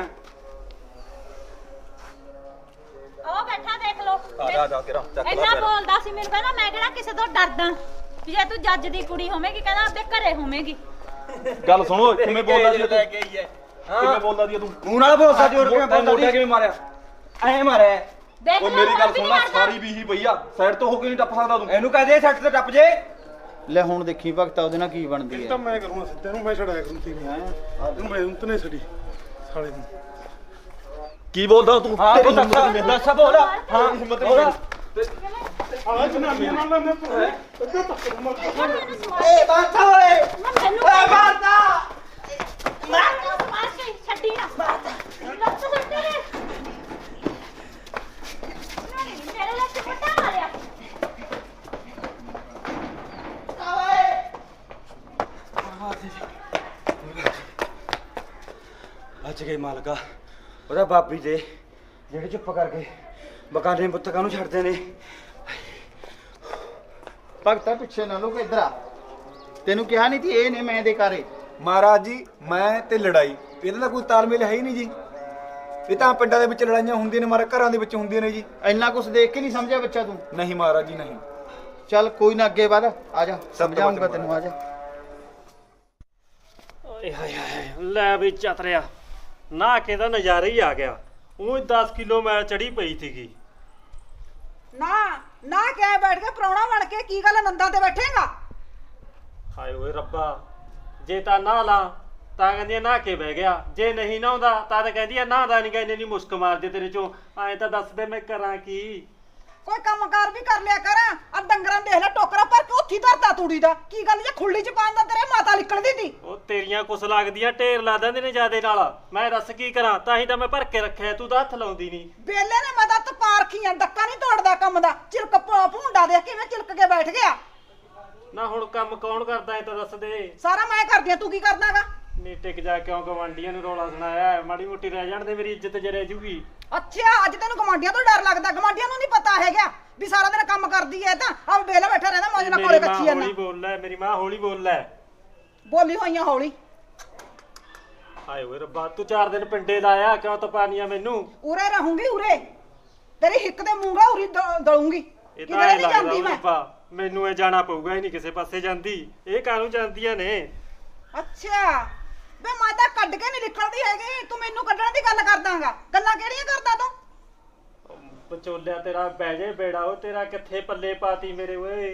ਉਹ ਬੈਠਾ ਦੇਖ ਲੋ।
ਜਾ ਤੇਰਾ
ਇੰਨਾ ਬੋਲਦਾ ਸੀ ਮੈਨੂੰ, ਕਹਿੰਦਾ ਮੈਂ ਕਿਹੜਾ ਕਿਸੇ ਤੋਂ ਡਰਦਾ ਵੀ ਜੇ ਤੂੰ ਜੱਜ ਦੀ ਕੁੜੀ ਹੋਵੇਂਗੀ, ਕਹਿੰਦਾ ਆਪਦੇ ਘਰੇ ਹੋਵੇਂਗੀ।
ਗੱਲ ਸੁਣੋ ਕਿਵੇਂ ਬੋਲਦਾ ਸੀ
ਲੈ ਕੇ ਆਈ ਹੈ
ਕਿਵੇਂ ਬੋਲਦਾ ਸੀ ਤੂੰ
ਮੂੰਹ ਨਾਲ ਬੋਲ ਸਕਦੀ ਹੋਰ ਕਿਵੇਂ ਬੋਲਦਾ
ਮੋਢਾ ਕਿਵੇਂ ਮਾਰਿਆ
ਐ ਮਾਰਿਆ
ਦੇਖ
ਉਹ
ਲਓ,
ਮੇਰੀ
ਹੁਣ
ਗੱਲ
ਵੀ
ਸੁਣ ਲੈ
ਮਾਰਦਾ।
ਸਾਰੀ ਵੀ ਹੀ ਪਈ ਆ ਸਾਈਡ ਤੋਂ ਹੋ ਕੇ ਨਹੀਂ ਟੱਪ ਸਕਦਾ ਤੂੰ
ਇਹਨੂੰ ਕਹਦੇ ਸੱਟ ਤੇ ਟੱਪ ਜੇ
ਲੈ ਹੁਣ ਦੇਖੀ ਭਗਤਾ ਉਹਦੇ ਨਾਲ ਕੀ ਬਣਦੀ ਹੈ।
ਮੈਂ ਕਰੂੰਗਾ ਤੈਨੂੰ ਮੈਂ ਛੜਾਇਆ ਕਰੂੰ ਤੀ ਤੈਨੂੰ ਮੈਂ ਤਨੇ ਛੜੀ ਸਾਲੇ ਨੂੰ
ਕੀ ਬੋਲਦਾ ਤੂੰ
ਹਾਂ ਤੂੰ ਦੱਸ ਬੋਲ ਹਾਂ
ਹਿੰਮਤ
ਬੋਲ।
ਆ ਜਨਾਨੀ ਨਾਲ ਲੈਂਦੇ ਤੂੰ ਹੈ
ਮੈਨੂੰ ਸਵਾਲ-
ਏ ਬਾਤਾ ਓਏ
ਮੈਨੂੰ
ਓਏ ਬਾਤਾ
ਮਾਰ ਕੇ ਛੱਡੀ ਨਾ। ਲੱਤ ਸੁੱਟ ਦੇ। ਨਹੀਂ, ਮੇਰੇ ਲੱਤ ਫਟਾ ਮਾਰਿਆ।
ਅੱਜ ਗਏ ਮਾਲਕਾ ਉਹਦਾ ਬਾਪੀ ਦੇ ਜਿਹੜੇ ਚੁੱਪ ਕਰਕੇ ਬਕਾਨੇ ਪੁੱਤਕਾਂ ਨੂੰ ਛੱਡਦੇ ਨੇ
ਭਗਤਾ ਪਿੱਛੇ ਨਾ ਲੋਕ ਇੱਧਰ ਆ। ਤੈਨੂੰ ਕਿਹਾ ਨਹੀਂ ਸੀ ਇਹ ਨੇ ਮੈਂ ਦੇ ਘਰੇ।
ਮਹਾਰਾਜ ਜੀ ਮੈਂ ਤੇ ਲੜਾਈ ਇਹਦਾ ਤਾਂ ਕੋਈ ਤਾਲਮੇਲ ਹੈ ਹੀ ਨਹੀਂ ਜੀ ਇਹ ਤਾਂ ਪਿੰਡਾਂ ਦੇ ਵਿੱਚ ਲੜਾਈਆਂ ਹੁੰਦੀਆਂ ਨੇ ਮਾਰਾ ਘਰਾਂ ਦੇ ਵਿੱਚ ਹੁੰਦੀਆਂ ਨੇ ਜੀ
ਇੰਨਾ ਕੁਝ ਦੇਖ ਕੇ ਨਹੀਂ ਸਮਝਿਆ ਬੱਚਾ ਤੂੰ।
ਨਹੀਂ ਮਹਾਰਾਜ ਜੀ ਨਹੀਂ
ਚੱਲ ਕੋਈ ਨਾ ਅੱਗੇ ਵਧ, ਆ ਜਾ ਸਮਝਾਉਂਗਾ
ਬਾਤ
ਤੈਨੂੰ, ਆ ਜਾ।
ਓਏ ਹਾਏ ਹਾਏ ਲੈ ਵੀ ਚਤਰਿਆ ਨਾ ਕੇ ਦਾ ਨਜ਼ਾਰਾ ਹੀ ਆ ਗਿਆ। ਉਹ 10 ਕਿਲੋ ਮੈਲ ਚੜੀ ਪਈ ਸੀਗੀ।
ਨਾ ਨਾ ਕਿਆ ਬੈਠ ਕੇ ਪ੍ਰਾਹੁਣਾ ਬਣ ਕੇ ਕੀ ਗੱਲ ਨੰਦਾਂ ਤੇ ਬੈਠੇਗਾ?
ਹਾਏ ਓਏ ਰੱਬਾ, ਜੇ ਤਾਂ ਨਾ ਲਾ ਤਾਂ ਕਹਿੰਦੀ ਆ ਨਹਾ ਕੇ ਬਹਿ ਗਿਆ, ਜੇ ਨਹੀਂ ਨਹਾਉਂਦਾ ਤਾਂ ਕਹਿੰਦੀ ਆ ਨਹਾਦਾ ਨਹੀਂ, ਕਹਿੰਦੇ ਨਹੀਂ ਮੁਸਕ ਮਾਰਦੇ ਤੇਰੇ ਚੋਂ। ਐਂ ਤਾਂ ਦੱਸ ਦੇ ਮੈਂ ਕਰਾਂ ਕੀ।
ਕੋਈ ਕੰਮਕਾਰ ਵੀ ਕਰ ਲਿਆ ਕਰ। ਆ ਡੰਗਰਾਂ ਦੇਖ ਲੈ ਟੋਕਰਾ ਭਰ ਕੇ ਉੱਥੀ ਧਰਦਾ ਤੂੜੀ ਦਾ। ਕੀ ਗੱਲ ਜੇ ਖੁੱਲੀ ਚ ਪਾਉਂਦਾ ਤੇਰੇ ਮਾਤਾ ਨਿਕਲਦੀ ਤੀ।
ਉਹ ਤੇਰੀਆਂ ਕੁਛ ਲੱਗਦੀਆਂ ਢੇਰ ਲਾ ਦਿੰਦੇ ਨੇ ਜਿਆਦੇ ਨਾਲ। ਮੈਂ ਦੱਸ ਕੀ ਕਰਾਂ, ਤਾਂ ਹੀ ਤਾਂ ਮੈਂ ਭਰ ਕੇ ਰੱਖਿਆ, ਤੂੰ ਤਾਂ ਹੱਥ ਲਾਉਂਦੀ ਨਹੀਂ।
ਬੇਲੇ ਨੇ ਮੈਂ ਤਾਂ ਤਪਾ ਰੱਖੀਆਂ, ਡੱਕਾ ਨਹੀਂ ਤੋੜਦਾ ਕੰਮ ਦਾ। ਚਿਲਕ ਭੁੰਡਾ ਦੇ ਕਿਵੇਂ ਚਿਲਕ ਕੇ ਬੈਠ ਗਿਆ।
ਨਾ ਹੁਣ ਕੰਮ ਕੌਣ ਕਰਦਾ ਐ ਤਾਂ ਦੱਸ ਦੇ।
ਸਾਰਾ ਮੈਂ ਕਰਦੀ ਆ, ਤੂੰ ਕੀ ਕਰਦਾਗਾ?
ਨੀ ਟਿਕ ਜਾ, ਕਿਉਂ ਗਵਾਂਡੀਆਂ ਨੂੰ ਰੌਲਾ ਸੁਣਾਇਆ? ਮਾੜੀ ਮੋਟੀ ਰਹਿ ਜਾਣ ਦੇ, ਮੇਰੀ ਇੱਜ਼ਤ ਜੇ ਰਹਿ ਜੂਗੀ।
ਅੱਛਾ ਅੱਜ ਤੈਨੂੰ ਗਵਾਂਡੀਆਂ ਤੋਂ ਡਰ ਲੱਗਦਾ? ਗਵਾਂਡੀਆਂ ਨੂੰ ਨਹੀਂ ਪਤਾ ਹੈਗਾ ਵੀ ਸਾਰਾ ਦਿਨ ਕੰਮ ਕਰਦੀ ਐ ਤਾਂ ਆ ਬੇਲੇ ਬੈਠਾ ਰਹਿੰਦਾ ਮੌਜ ਨਾਲ ਕੋਲੇ ਕੱਚੀ ਜਾਂਦਾ।
ਹੌਲੀ ਬੋਲ ਲੈ, ਮੇਰੀ ਮਾਂ ਹੌਲੀ ਬੋਲ ਲੈ।
ਬੋਲੀ ਹੋਈਆਂ ਹੌਲੀ।
ਹਾਏ ਓਏ ਰੱਬਾ, ਤੂੰ 4 ਦਿਨ ਪਿੰਡੇ ਲਾਇਆ, ਕਿਉਂ ਤਪਾਨੀਆਂ ਮੈਨੂੰ?
ਉਰੇ ਰਹੂੰਗੀ ਉਰੇ, ਤੇਰੀ ਹਿੱਕ ਦੇ ਮੂੰਗਾ ਉਰੀ ਦਲੂੰਗੀ।
ਇਹ ਤਾਂ
ਕਿਧਰੇ
ਐ
ਨਹੀਂ
ਲੱਗਦਾ
ਜਾਂਦੀ
ਓਏ
ਮੈਂ।
ਰੱਬਾ, ਮੈਨੂੰ ਇਹ ਜਾਣਾ ਪਊਗਾ, ਹੀ ਨਹੀਂ ਕਿਸੇ ਪਾਸੇ ਜਾਂਦੀ। ਇਹ ਕਾਹਨੂੰ ਜਾਂਦੀਆਂ ਨੇ?
ਅੱਛਾ ਵੇ ਮੈਂ ਤਾਂ ਕੱਢ ਕੇ ਨਹੀਂ ਨਿਕਲਦੀ ਹੈਗੀ, ਤੂੰ ਮੈਨੂੰ ਕੱਢਣ ਦੀ ਗੱਲ ਕਰਦਾਗਾ। ਗੱਲਾਂ ਕਿਹੜੀਆਂ ਕਰਦਾ ਤੂੰ?
ਵਿਚੋਲਿਆ ਤੇਰਾ ਬਹਿ ਜੇ ਬੇੜਾ, ਉਹ ਤੇਰਾ ਕਿੱਥੇ ਪੱਲੇ ਪਾਤੀ ਮੇਰੇ ਓਏ।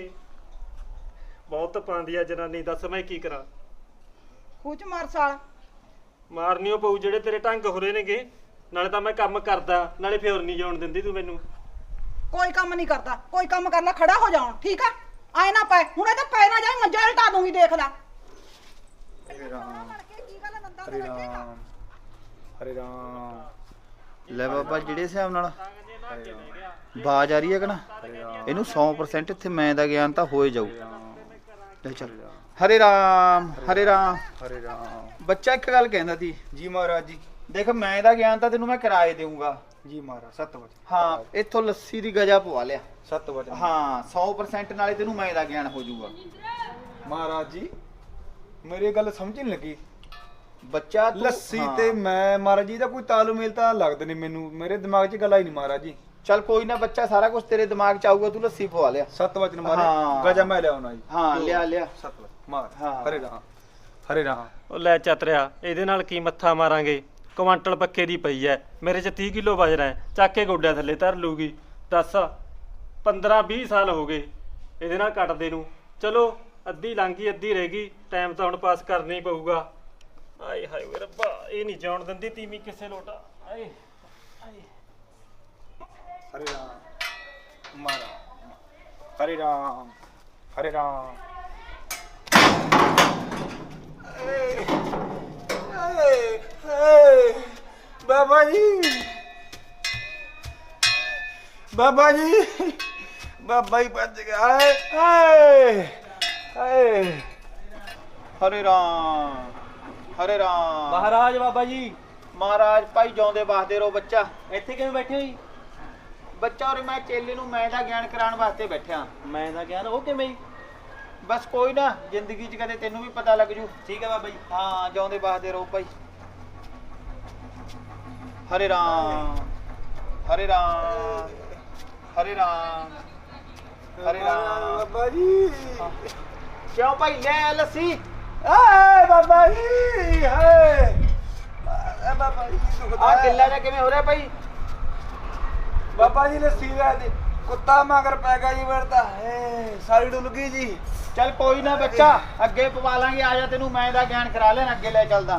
ਬਹੁਤ ਪਾਉਂਦੀ ਆ ਜਨਾਨੀ, ਦੱਸ ਮੈਂ ਕੀ ਕਰਾਂ?
ਖੂਚ ਮਾਰ ਸਾਲ।
ਮਾਰਨੀਓ ਪਊ, ਜਿਹੜੇ ਤੇਰੇ ਢੰਗ ਹੋਰੇ ਨੇਗੇ। ਨਾਲੇ ਤਾਂ ਮੈਂ ਕੰਮ ਕਰਦਾ, ਨਾਲੇ ਫੇਰ ਨਹੀਂ ਜਾਣ ਦਿੰਦੀ ਤੂੰ ਮੈਨੂੰ।
ਕੋਈ ਕੰਮ ਨਹੀਂ ਕਰਦਾ, ਕੋਈ ਕੰਮ ਕਰ ਲੈ, ਖੜਾ ਹੋ ਜਾਉਣ ਠੀਕ ਆ। ਆਏ ਨਾ ਪਏ ਹੁਣ, ਇਹ ਤਾਂ ਪੈ ਨਾ ਜਾਏ, ਮੰਜਾ ਹਟਾ ਦੂੰਗੀ, ਦੇਖ ਲੈ।
ਹਰੇ ਰਾਮ
ਕੀ ਗੱਲ ਨੰਦਾ
ਹਰੇ ਰਾਮ ਹਰੇ ਰਾਮ
ਲੈ ਬਾਬਾ, ਜਿਹੜੇ ਹਿਸਾਬ ਨਾਲ ਬਾਜ ਆ ਰਹੀ ਹੈ ਕਿ ਨਾ, ਇਹਨੂੰ 100% ਇੱਥੇ ਮੈਂ ਦਾ ਗਿਆਨ ਤਾਂ ਹੋਏ ਜਾਊ। ਲੈ ਚੱਲ। ਹਰੇ ਰਾਮ ਹਰੇ ਰਾਮ।
ਹਰੇ ਰਾਮ
ਬੱਚਾ ਇੱਕ ਗੱਲ ਕਹਿੰਦਾ ਸੀ,
ਜੀ ਮਹਾਰਾਜ ਜੀ
ਦੇਖ ਮੈਂ ਦਾ ਗਿਆਨ ਤਾਂ ਤੈਨੂੰ ਮੈਂ ਕਿਰਾਏ ਦੇਊਂਗਾ।
ਜੀ ਮਹਾਰਾਜ ਸਤ ਵਚਨ
ਹਾਂ, ਇੱਥੋਂ ਲੱਸੀ ਦੀ ਗਜਾ ਪਵਾ ਲਿਆ।
ਸਤ ਵਚਨ
ਹਾਂ 100% ਨਾਲੇ ਤੈਨੂੰ ਮੈਂ ਦਾ ਗਿਆਨ ਹੋ ਜਾਊਗਾ।
ਮਹਾਰਾਜ ਜੀ ਮੇਰੀ ਗੱਲ ਸਮਝ ਨਹੀਂ ਲੱਗੀ।
ਬੱਚਾ ਤੂੰ-
ਲੱਸੀ
ਹਾਂ।
ਤੇ ਮੈਂ ਮਹਾਰਾਜ ਜੀ ਦਾ ਕੋਈ ਤਾਲਮੇਲ ਤਾਂ ਲੱਗਦਾ ਨਹੀਂ ਮੈਨੂੰ, ਮੇਰੇ ਦਿਮਾਗ 'ਚ ਗੱਲ ਆਈ ਨਹੀਂ ਮਹਾਰਾਜ ਜੀ।
ਚੱਲ ਕੋਈ ਨਾ ਬੱਚਾ, ਸਾਰਾ ਕੁਝ ਤੇਰੇ ਦਿਮਾਗ 'ਚ ਆਊਗਾ, ਤੂੰ ਲੱਸੀ ਪਵਾ ਲਿਆ।
ਸਤ ਵਚਨ
ਹਾਂ।
ਮਹਾਰਾਜ ਗਜਾ ਮੈਂ ਲਿਆਉਣਾ ਜੀ।
ਹਾਂ ਲਿਆ ਲਿਆ।
ਸਤ ਵਚਨ ਮਹਾਰਾਜ
ਹਾਂ।
ਹਰੇ ਰਾਮ ਹਰੇ ਰਾਮ
ਉਹ ਲੈ ਚਤਰਿਆ, ਇਹਦੇ ਨਾਲ ਕੀ ਮੱਥਾ ਮਾਰਾਂਗੇ? ਕੁਆਂਟਲ ਪੱਕੇ ਦੀ ਪਈ ਐ, ਮੇਰੇ 'ਚ 30 ਕਿਲੋ ਵਜਣਾ ਹੈ, ਚੱਕ ਕੇ ਗੋਡਿਆਂ ਥੱਲੇ ਧਰ ਲੂਗੀ। ਦੱਸ 15-20 ਸਾਲ ਹੋ ਗਏ ਇਹਦੇ ਨਾਲ ਕੱਟਦੇ ਨੂੰ। ਚਲੋ ਅੱਧੀ ਲੰਘੀ, ਅੱਧੀ ਰਹਿ ਗਈ, ਟਾਈਮ ਤਾਂ ਹੁਣ ਪਾਸ ਕਰਨਾ ਹੀ ਪਊਗਾ। ਆਏ ਹਾਏ ਓਏ ਰੱਬਾ, ਇਹ ਨਹੀਂ ਜਾਣ ਦਿੰਦੀ ਤੀਵੀਂ ਕਿਸੇ ਲੋਟਾ। ਆਏ ਆਏ
ਹਰੇ ਰਾਮ ਮਹਾਰਾਜ ਹਰੇ ਰਾਮ ਹਰੇ ਰਾਮ ਬਾਬਾ ਜੀ ਬਾਬਾ ਜੀ ਬਾਬਾ ਹੀ ਭੱਜ ਗਿਆ। ਹਾਏ ਹਾਏ ਹਾਏ
ਹਰੇ ਰਾਮ ਹਰੇ ਰਾਮ।
ਮਹਾਰਾਜ ਬਾਬਾ ਜੀ
ਮਹਾਰਾਜ ਭਾਈ ਜਿਉਂਦੇ ਵਾਸਤੇ ਰਹੋ ਬੱਚਾ।
ਇੱਥੇ ਕਿਵੇਂ ਬੈਠੇ ਹੋ ਜੀ?
ਬੱਚਾ ਔਰ ਮੈਂ ਚੇਲੇ ਨੂੰ ਮੈਂ ਦਾ ਗਿਆਨ ਕਰਾਉਣ ਵਾਸਤੇ ਬੈਠਾ।
ਮੈਂ ਤਾਂ ਕਹਿਣਾ ਉਹ ਕਿਵੇਂ ਜੀ?
ਬਸ ਕੋਈ ਨਾ, ਜ਼ਿੰਦਗੀ 'ਚ ਕਦੇ ਤੈਨੂੰ ਵੀ ਪਤਾ ਲੱਗ ਜੂ।
ਠੀਕ ਹੈ ਬਾਬਾ ਜੀ।
ਹਾਂ ਜਿਉਂਦੇ ਵਾਸਤੇ ਰਹੋ ਭਾਈ। ਹਰੇ ਰਾਮ ਹਰੇ ਰਾਮ ਹਰੇ ਰਾਮ ਹਰੇ ਰਾਮ।
ਬਾਬਾ ਜੀ
ਕਿਉਂ ਭਾਈ ਲੈ ਆ ਲੱਸੀ।
ਏ ਬਾਬਾ ਜੀ ਹਾਏ ਏ ਬਾਬਾ ਜੀ ਦੁਖਦਾ
ਆ ਗਿੱਲਾ ਜਿਹਾ ਕਿਵੇਂ ਹੋ ਰਿਹਾ ਭਾਈ?
ਬਾਬਾ ਜੀ ਲੱਸੀ ਲੈ ਦੇ ਕੁੱਤਾ ਮਗਰ ਪੈ ਗਿਆ ਜੀ ਮੇਰੇ ਤਾਂ ਹੈ ਸਾਰੀ ਡੁੱਲ ਗਈ ਜੀ।
ਚੱਲ ਕੋਈ ਨਾ ਬੱਚਾ, ਅੱਗੇ ਪਵਾ ਲਾਂਗੇ। ਆ ਜਾ ਤੈਨੂੰ ਮੈਂ ਦਾ ਗਿਆਨ ਕਰਾ ਲੈਣ, ਅੱਗੇ ਲੈ ਚੱਲਦਾ।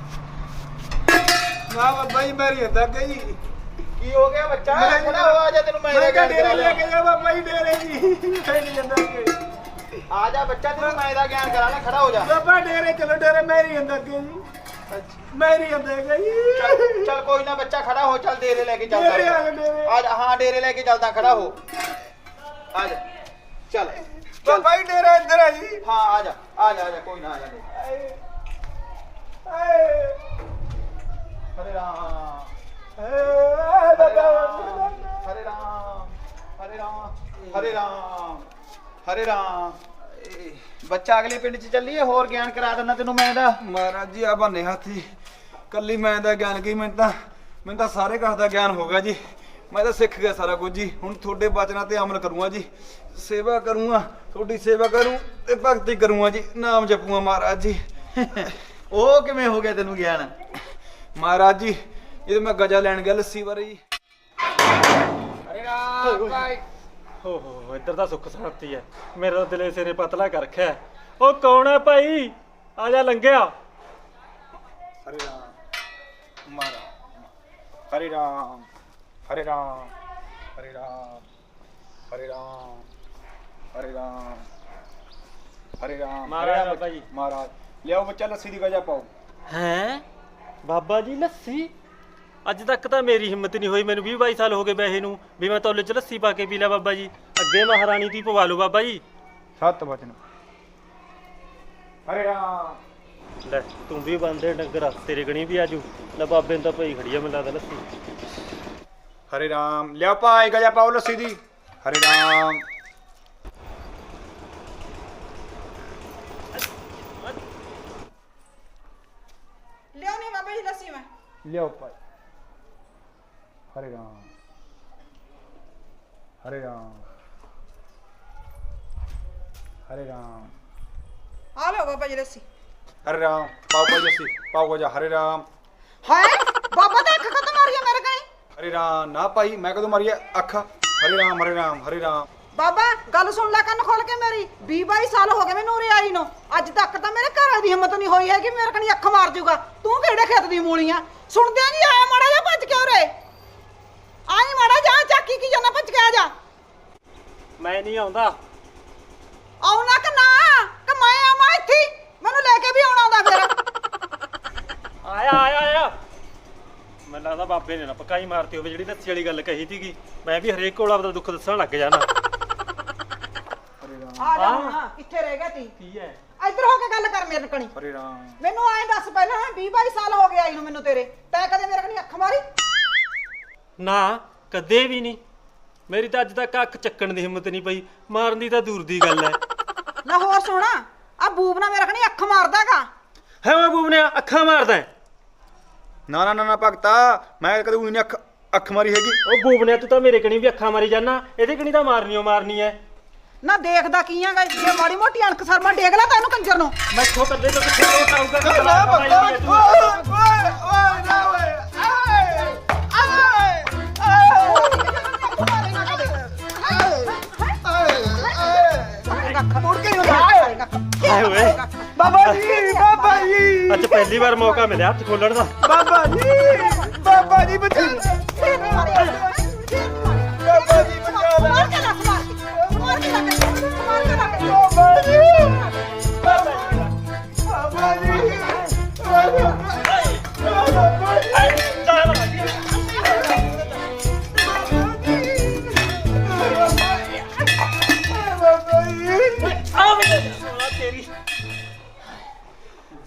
ਨਾ ਬਾਬਾ ਜੀ ਮੇਰੀ ਹੱਦ ਅੱਗੇ ਜੀ।
ਕੀ ਹੋ ਗਿਆ ਬੱਚਾ? ਖੜਾ ਹੋ, ਆ ਜਾ ਤੈਨੂੰ ਮੈਂ ਦਾ
ਮੈਂ
ਗਿਆਨ
ਡੇਰੇ
ਕਰਾ
ਲੈ
ਲੈਣ।
ਕੇ ਜਾ ਬਾਬਾ ਜੀ ਡੇਰੇ ਜੀ ਮੈਂ ਨਹੀਂ ਜਾਂਦਾ ਅੱਗੇ।
ਆ ਜਾ ਬੱਚਾ, ਤੈਨੂੰ ਮੈਂ ਦਾ ਗਿਆਨ ਕਰਾ ਲੈ, ਖੜਾ ਹੋ ਜਾ।
ਬਾਬਾ ਡੇਰੇ ਚਲੋ ਡੇਰੇ ਮੇਰੀ ਹੱਦ ਅੱਗੇ ਜੀ। ਮੇਰੀ ਹੱਦ ਅੱਗੇ ਜੀ।
ਚੱਲ ਕੋਈ ਨਾ ਬੱਚਾ, ਖੜਾ ਹੋ, ਚੱਲ ਡੇਰੇ ਲੈ ਕੇ
ਡੇਰੇ ਆ
ਚੱਲਦਾ।
ਜਾ ਡੇਰੇ।
ਆ ਜਾ, ਹਾਂ ਡੇਰੇ ਲੈ ਕੇ ਚੱਲਦਾ, ਖੜਾ ਹੋ। ਆ ਜਾ ਚੱਲ ਚੱਲ।
ਬਾਬਾ ਜੀ ਡੇਰਾ ਇੱਧਰ ਆ ਜੀ।
ਹਾਂ ਆ ਜਾ ਆ ਜਾ ਆ ਜਾ, ਕੋਈ ਨਾ ਆ ਜਾ। ਹਰੇ ਰਾਮ ਹਰੇ ਰਾਮ ਹਰੇ ਰਾਮ ਹਰੇ ਰਾਮ ਹਰੇ ਰਾਮ ਹਰੇ ਰਾਮ। ਬੱਚਾ ਅਗਲੇ ਪਿੰਡ 'ਚ ਚੱਲੀਏ, ਹੋਰ ਗਿਆਨ ਕਰਾ ਦਿੰਦਾ ਤੈਨੂੰ ਮੈਂ ਦਾ।
ਮਹਾਰਾਜ ਜੀ ਆ ਬੰਨੇ ਹੱਥੀ ਕੱਲੀ ਮੈਂ ਦਾ ਗਿਆਨ ਕੀ ਮੈਨੂੰ ਤਾਂ ਸਾਰੇ ਕਸ ਦਾ ਗਿਆਨ ਹੋ ਗਿਆ ਜੀ। ਮੈਂ ਤਾਂ ਸਿੱਖ ਗਿਆ ਸਾਰਾ ਕੁਝ ਜੀ। ਹੁਣ ਤੁਹਾਡੇ ਬਚਨਾਂ ਤੇ ਅਮਲ ਕਰੂੰਗਾ ਜੀ। ਸੇਵਾ ਕਰੂੰਗਾ, ਤੁਹਾਡੀ ਸੇਵਾ ਕਰੂੰ ਤੇ ਭਗਤੀ ਕਰੂੰਗਾ ਜੀ। ਨਾਮ ਜਪੂੰਗਾ ਮਹਾਰਾਜ ਜੀ।
ਉਹ ਕਿਵੇਂ ਹੋ ਗਿਆ ਤੈਨੂੰ ਗਿਆਨ?
ਮਹਾਰਾਜ ਜੀ ਜਦੋਂ ਮੈਂ ਗਜਾ ਲੈਣ ਗਿਆ ਲੱਸੀ ਬਾਰੇ ਜੀ।
ਹਰੇ ਰਾਮ ਭਾਈ।
ਹੋ ਇੱਧਰ ਤਾਂ ਸੁੱਖ ਸ਼ਾਂਤੀ ਹੈ, ਮੇਰਾ ਤਾਂ ਦਿਲੇ ਸਿਰੇ ਪਤਲਾ ਕਰ ਰੱਖਿਆ। ਉਹ ਕੌਣ ਹੈ ਭਾਈ? ਆ ਜਾ ਲੰਘਿਆ।
ਹਰੇ ਰਾਮ ਮਹਾਰਾਜ ਹਰੇ ਰਾਮ ਹਰੇ ਰਾਮ ਹਰੇ ਰਾਮ ਹਰੇ ਰਾਮ ਹਰੇ ਰਾਮ ਹਰੇ ਰਾਮ।
ਮਹਾਰਾਜ ਬਾਬਾ ਜੀ।
ਮਹਾਰਾਜ ਲਿਆਓ ਬੱਚਾ ਲੱਸੀ ਦੀ ਗਜਾ ਪਾਓ।
ਹੈਂ ਬਾਬਾ ਜੀ ਲੱਸੀ? ਅੱਜ ਤੱਕ ਤਾਂ ਮੇਰੀ ਹਿੰਮਤ ਨਹੀਂ ਹੋਈ, ਮੈਨੂੰ 20-22 ਸਾਲ ਹੋ ਗਏ ਬੈਠੇ ਨੂੰ, ਵੀ ਮੈਂ ਤੌਲੇ 'ਚ ਲੱਸੀ ਪਾ ਕੇ ਪੀ ਲਿਆ ਬਾਬਾ ਜੀ। ਅੱਗੇ ਮਹਾਰਾਣੀ ਦੀ ਪਵਾ ਲਓ ਬਾਬਾ ਜੀ।
ਸਤ ਵਚਨ ਹਰੇ ਰਾਮ।
ਲੈ ਤੂੰ ਵੀ ਬੰਦੇ ਡੰਗਰ, ਤੇਰੇ ਗਣੀ ਵੀ ਆਜੂ। ਲੈ ਬਾਬੇ ਨੂੰ ਤਾਂ ਪਈ ਖੜੀ ਆ, ਮੈਨੂੰ ਲੱਗਦਾ ਲੱਸੀ।
ਹਰੇ ਰਾਮ ਲਿਆਓ ਭਾਈ ਗਜਾ ਪਾਓ ਲੱਸੀ ਦੀ। ਹਰੇ ਰਾਮ
ਲਿਓ ਨਹੀਂ ਬਾਬਾ ਜੀ ਲੱਸੀ ਮੈਂ।
ਲਿਆਓ ਭਾਈ। ਹਰੇ ਰਾਮ ਹਰੇ ਰਾਮ ਹਰੇ ਰਾਮ
ਆ ਲਓ ਬਾਬਾ ਜੀ ਲੱਸੀ।
ਹਰੇ ਰਾਮ ਪਾਓ ਭਾਈ ਲੱਸੀ ਪਾਓ ਗਜਾ। ਹਰੇ ਰਾਮ
ਹਾਏ ਬਾਬਾ ਤਾਂ ਅੱਖ ਖਤਮ ਮਾਰੀ ਆ ਮੇਰੇ ਕਣੀ।
ਹਰੇ ਰਾਮ ਨਾ ਭਾਈ ਮੈਂ ਕਦੋਂ ਮਾਰੀ ਅੱਖ। ਹਰੇ ਰਾਮ ਹਰੇ ਰਾਮ ਹਰੇ ਰਾਮ।
ਬਾਬਾ ਗੱਲ ਸੁਣ ਲੈ ਕੰਨ ਖੋਲ ਕੇ ਮੇਰੀ। 20-22 ਸਾਲ ਹੋ ਗਏ ਮੈਨੂੰ ਉਰੇ ਆਈ ਨੂੰ, ਅੱਜ ਤੱਕ ਤਾਂ ਮੇਰੇ ਘਰ ਦੀ ਹਿੰਮਤ ਨਹੀਂ ਹੋਈ ਹੈ ਕਿ ਮੇਰੇ ਕਣੀ ਅੱਖ ਮਾਰ ਜੂਗਾ। ਤੂੰ ਕਿਹੜੇ ਖੇਤ ਦੀ ਮੂਲੀਆਂ ਸੁਣਦਿਆਂ ਨਹੀਂ ਆਇਆ? ਮਾੜਾ ਜਿਹਾ ਭੱਜ ਕੇ ਉਰੇ ਆਈ, ਮਾੜਾ ਜਾ ਚਾਕੀ ਕੀ ਜਾਣਾ, ਭੱਜ ਕੇ ਆ ਜਾ।
ਮੈਂ ਨਹੀਂ ਆਉਂਦਾ।
ਆਉਣਾ ਕਿ ਨਾ ਕਿ ਮੈਂ ਆਵਾਂ ਇੱਥੇ? ਮੈਨੂੰ ਲੈ ਕੇ ਵੀ ਆਉਣਾ ਹੁੰਦਾ ਫਿਰ।
ਆਇਆ ਆਇਆ ਆਇਆ। ਮੈਨੂੰ ਲੱਗਦਾ ਬਾਬੇ ਨੇ ਨਾ ਪਕਾਈ ਮਾਰਤੀ ਹੋਵੇ ਜਿਹੜੀ ਲੱਸੀ ਵਾਲੀ ਗੱਲ ਕਹੀ ਸੀਗੀ। ਮੈਂ ਵੀ ਹਰੇਕ ਕੋਲ ਆਪਦਾ ਦੁੱਖ ਦੱਸਣ ਲੱਗ ਜਾਣਾ।
ਆ ਜਾ ਹੁਣ, ਕਿੱਥੇ ਰਹਿ ਗਿਆ ਤੀ?
ਕੀ ਹੈ?
ਇੱਧਰ ਹੋ ਕੇ ਗੱਲ ਕਰ ਮੇਰੇ ਕਣੀ।
ਹਰੇ ਰਾਮ
ਮੈਨੂੰ ਐਂ ਦੱਸ ਪਹਿਲਾਂ, 20-22 ਸਾਲ ਹੋ ਗਏ ਆਈ ਨੂੰ ਮੈਨੂੰ ਤੇਰੇ, ਤੈਂ ਕਦੇ ਮੇਰੇ ਕਣੀ ਅੱਖ ਮਾਰੀ?
ਨਾ ਕਦੇ ਵੀ ਨਹੀਂ। ਮੇਰੀ ਤਾਂ ਅੱਜ ਤੱਕ ਅੱਖ ਚੱਕਣ ਦੀ ਹਿੰਮਤ ਨਹੀਂ ਪਈ, ਮਾਰਨ ਦੀ ਤਾਂ ਦੂਰ ਦੀ ਗੱਲ ਹੈ।
ਲੈ ਹੋਰ ਸੁਣਾ, ਆ ਬੂਬ ਨਾ ਮੇਰੇ ਕਣੀ ਅੱਖ ਮਾਰਦਾਗਾ।
ਹੈ ਓਏ ਬੂਬਨਿਆ, ਅੱਖਾਂ ਮਾਰਦਾ ਹੈ?
ਨਾ ਨਾ ਨਾ ਭਗਤਾ ਮੈਂ ਕਦੇ ਉਹੀ ਨਹੀਂ ਅੱਖ ਮਾਰੀ ਹੈਗੀ।
ਉਹ ਬੂਬਨਿਆ ਤੂੰ ਤਾਂ ਮੇਰੇ ਕਣੀ ਵੀ ਅੱਖਾਂ ਮਾਰੀ ਜਾਣਾ, ਇਹਦੇ ਕਣੀ ਤਾਂ ਮਾਰਨੀ ਓ ਮਾਰਨੀ ਹੈ।
ਨਾ ਦੇਖਦਾ ਕੀ ਆਂਗਾ, ਜੇ ਮਾੜੀ ਮੋਟੀ ਅਣਖ ਸਰਮਾ ਡੇਗ ਲਾ ਤੈਨੂੰ ਕੰਜਰ ਨੂੰ।
ਮੈਂ ਇੱਥੋਂ ਕੱਲੇ ਤੋਂ ਕਿੱਥੇ ਰੋਟ ਆਊਗਾ? ਹਾਏ ਓਏ
ਬਾਬਾ ਜੀ ਬਾਬਾ ਜੀ
ਅੱਜ ਪਹਿਲੀ ਵਾਰ ਮੌਕਾ ਮਿਲਿਆ ਹੱਥ ਖੋਲਣ ਦਾ।
ਬਾਬਾ ਜੀ ਬਚਾ ਬਾਬਾ ਜੀ ਬਚਾ ਲੈ।
ਮਾਰ ਕੇ ਰੱਖ, ਮਾਰ ਕੇ ਰੱਖ, ਮਾਰ ਕੇ ਰੱਖ।
ਬਾਬਾ ਜੀ ਬਾਬਾ ਜੀ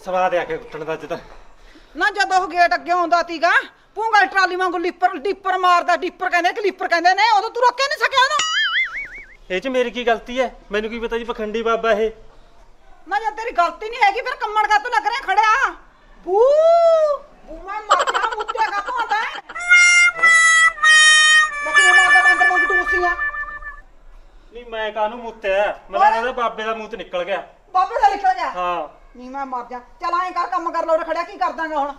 ਸਵਾਦ ਆ ਕੇ ਕੁੱਟਣ ਦਾ ਅੱਜ ਤਾਂ।
ਨਾ ਜਦੋਂ ਉਹ ਗੇਟ ਅੱਗੇ ਆਉਂਦਾ ਤੀਗਾ ਪੂੰਗਲ ਟਰਾਲੀ ਵਾਂਗੂ ਡੀਪਰ ਮਾਰਦਾ, ਡੀਪਰ ਕਹਿੰਦੇ ਕਲੀਪਰ ਕਹਿੰਦੇ ਨੇ, ਉਦੋਂ ਤੂੰ ਰੋਕਿਆ ਨਹੀਂ ਸਕਿਆ ਉਹਨੂੰ।
ਇਹ 'ਚ ਮੇਰੀ ਕੀ ਗਲਤੀ ਹੈ? ਮੈਨੂੰ ਕੀ ਪਤਾ ਜੀ ਪਖੰਡੀ ਬਾਬਾ ਇਹ।
ਨਾ ਜੇ ਤੇਰੀ ਗਲਤੀ ਨਹੀਂ ਹੈਗੀ ਫਿਰ ਕੰਮਣ ਕਾ ਤੂੰ ਲੱਗ ਰਿਹਾ ਖੜਿਆ? ਬੂ ਬੂ ਮੈਂ ਮਰ ਜਾ ਮੁੱਤਿਆ ਕਾ ਤੂੰ ਆਂਦਾ ਲੱਗੇ ਮਾਰਦਾ ਬੰਦਰ ਵਾਂਗੂ ਤੂੰ ਉਸੀਆਂ।
ਨਹੀਂ ਮੈਂ ਕਾਹਨੂੰ ਮੁੱਤਿਆ? ਮੈਨੂੰ ਲੱਗਦਾ ਬਾਬੇ ਦਾ ਮੂੰਹ ਤੇ ਨਿਕਲ ਗਿਆ।
ਬਾਬੇ ਦਾ ਨਿਕਲ ਗਿਆ?
ਹਾਂ।
ਨਹੀਂ ਮੈਂ ਮਰ ਜਾ। ਚੱਲ ਐਂ ਕਰ ਕੰਮ ਕਰ ਲੋ ਖੜਿਆ ਕੀ ਕਰ ਦਾਂਗਾ ਹੁਣ?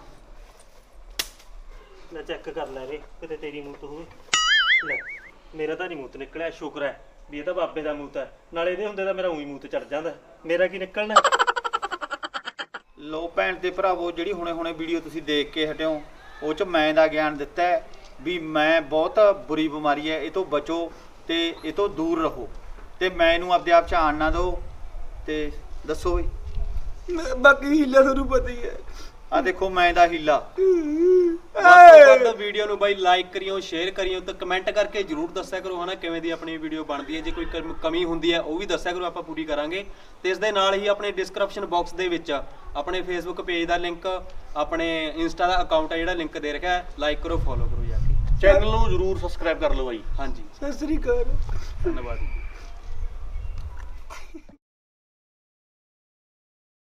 ਲੈ ਚੈੱਕ ਕਰ ਲੈ ਰੇ ਕਿਤੇ ਤੇਰੀ ਮੂੰਹ ਤੋਂ ਹੋਵੇ। ਲੈ ਮੇਰਾ ਤਾਂ ਨਹੀਂ ਮੂੰਹ ਤੇ ਨਿਕਲਿਆ, ਸ਼ੁਕਰ ਹੈ ਵੀ ਇਹ ਤਾਂ ਬਾਬੇ ਦਾ ਮੂੰਹ ਹੈ। ਨਾਲੇ ਇਹਦੇ ਹੁੰਦੇ ਤਾਂ ਮੇਰਾ ਉਹੀ ਮੂੰਹ ਤੇ ਚੜ ਜਾਂਦਾ, ਮੇਰਾ ਕੀ ਨਿਕਲਣਾ।
ਲੋ ਭੈਣ ਤੇ ਭਰਾਵੋ, ਜਿਹੜੀ ਹੁਣੇ ਵੀਡੀਓ ਤੁਸੀਂ ਦੇਖ ਕੇ ਹਟਿਓ ਉਹ ਚ ਮੈਂ ਦਾ ਗਿਆਨ ਦਿੱਤਾ ਹੈ ਵੀ ਮੈਂ ਬਹੁਤ ਬੁਰੀ ਬਿਮਾਰੀ ਹੈ, ਇਹ ਤੋਂ ਬਚੋ ਤੇ ਇਹ ਤੋਂ ਦੂਰ ਰਹੋ ਤੇ ਮੈਂ ਇਹਨੂੰ ਆਪਦੇ ਆਪ ਚ ਆਣ ਨਾ ਦਿਓ। ਤੇ ਦੱਸੋ ਬਈ
ਬਾਕੀ ਹੀਲਾ ਤੁਹਾਨੂੰ ਪਤਾ ਹੀ ਹੈ।
ਆ ਦੇਖੋ ਮੈਂ ਦਾ ਹੀਲਾ।
ਵੱਧ ਤੋਂ ਵੱਧ ਵੀਡੀਓ ਨੂੰ ਬਾਈ ਲਾਈਕ ਕਰਿਓ, ਸ਼ੇਅਰ ਕਰਿਓ ਤੇ ਕਮੈਂਟ ਕਰਕੇ ਜਰੂਰ ਦੱਸਿਆ ਕਰੋ ਹਨਾ ਕਿਵੇਂ ਦੀ ਆਪਣੀ ਵੀਡੀਓ ਬਣਦੀ ਹੈ। ਜੇ ਕੋਈ ਕਮੀ ਹੁੰਦੀ ਹੈ ਉਹ ਵੀ ਦੱਸਿਆ ਕਰੋ, ਆਪਾਂ ਪੂਰੀ ਕਰਾਂਗੇ। ਤੇ ਇਸ ਦੇ ਨਾਲ ਹੀ ਆਪਣੇ ਡਿਸਕ੍ਰਿਪਸ਼ਨ ਬਾਕਸ ਦੇ ਵਿੱਚ ਆਪਣੇ ਫੇਸਬੁੱਕ ਪੇਜ ਦਾ ਲਿੰਕ, ਆਪਣੇ ਇੰਸਟਾ ਦਾ ਅਕਾਊਂਟ ਹੈ ਜਿਹੜਾ ਲਿੰਕ ਦੇ ਰੱਖਿਆ, ਲਾਈਕ ਕਰੋ, ਫੋਲੋ ਕਰੋ ਜਾ ਕੇ।
ਚੈਨਲ ਨੂੰ ਜਰੂਰ ਸਬਸਕ੍ਰਾਈਬ ਕਰ ਲਓ ਬਾਈ।
ਹਾਂਜੀ
ਸਤਿ ਸ੍ਰੀ ਅਕਾਲ।
ਧੰਨਵਾਦ ਜੀ।